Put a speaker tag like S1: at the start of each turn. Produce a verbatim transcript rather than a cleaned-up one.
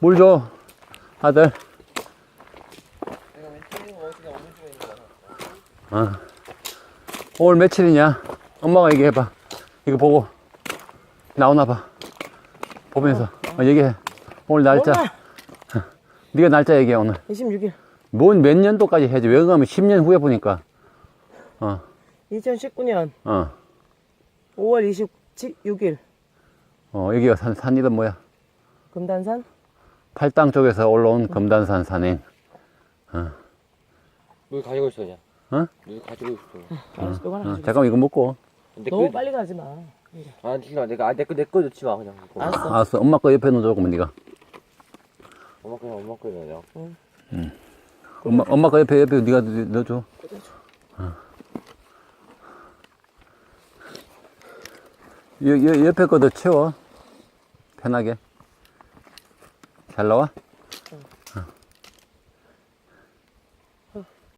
S1: 물 줘, 아들.
S2: 내가 왼쪽에 어디가 어느 쪽에 있는 거야?
S1: 어. 오늘 며칠이냐? 엄마가 얘기해봐. 이거 보고. 나오나 봐. 보면서. 어, 얘기해. 오늘 날짜.
S3: 엄마!
S1: 네가 날짜 얘기해, 오늘.
S3: 이십육 일.
S1: 뭔 몇 년도까지 해야지. 왜 그러면 십 년 후에 보니까. 어,
S3: 이천십구 년
S1: 어.
S3: 오월 이십육 일.
S1: 어, 여기가 산, 산이든 뭐야.
S3: 금단산?
S1: 팔당 쪽에서 올라온 금단산 산행.
S2: 물 가지고 있어 그냥.
S1: 어?
S2: 물 가지고 있어.
S3: 알았어, 이거 하나
S1: 어,
S3: 가지고.
S1: 잠깐만, 이거 먹고.
S2: 내
S3: 너무
S2: 거,
S3: 빨리 가지 마.
S2: 아 싫어. 내가 아, 내거 내 거 넣지 마 그냥. 이거.
S3: 알았어.
S1: 알았어. 엄마 거 옆에 놓아줘, 그러면 네가.
S2: 엄마 거야 엄마 거야 그냥.
S1: 엄마, 엄마 거 옆에, 옆에 네가 넣어줘. 어. 여, 여, 옆에 거도 채워. 편하게. 잘 나와?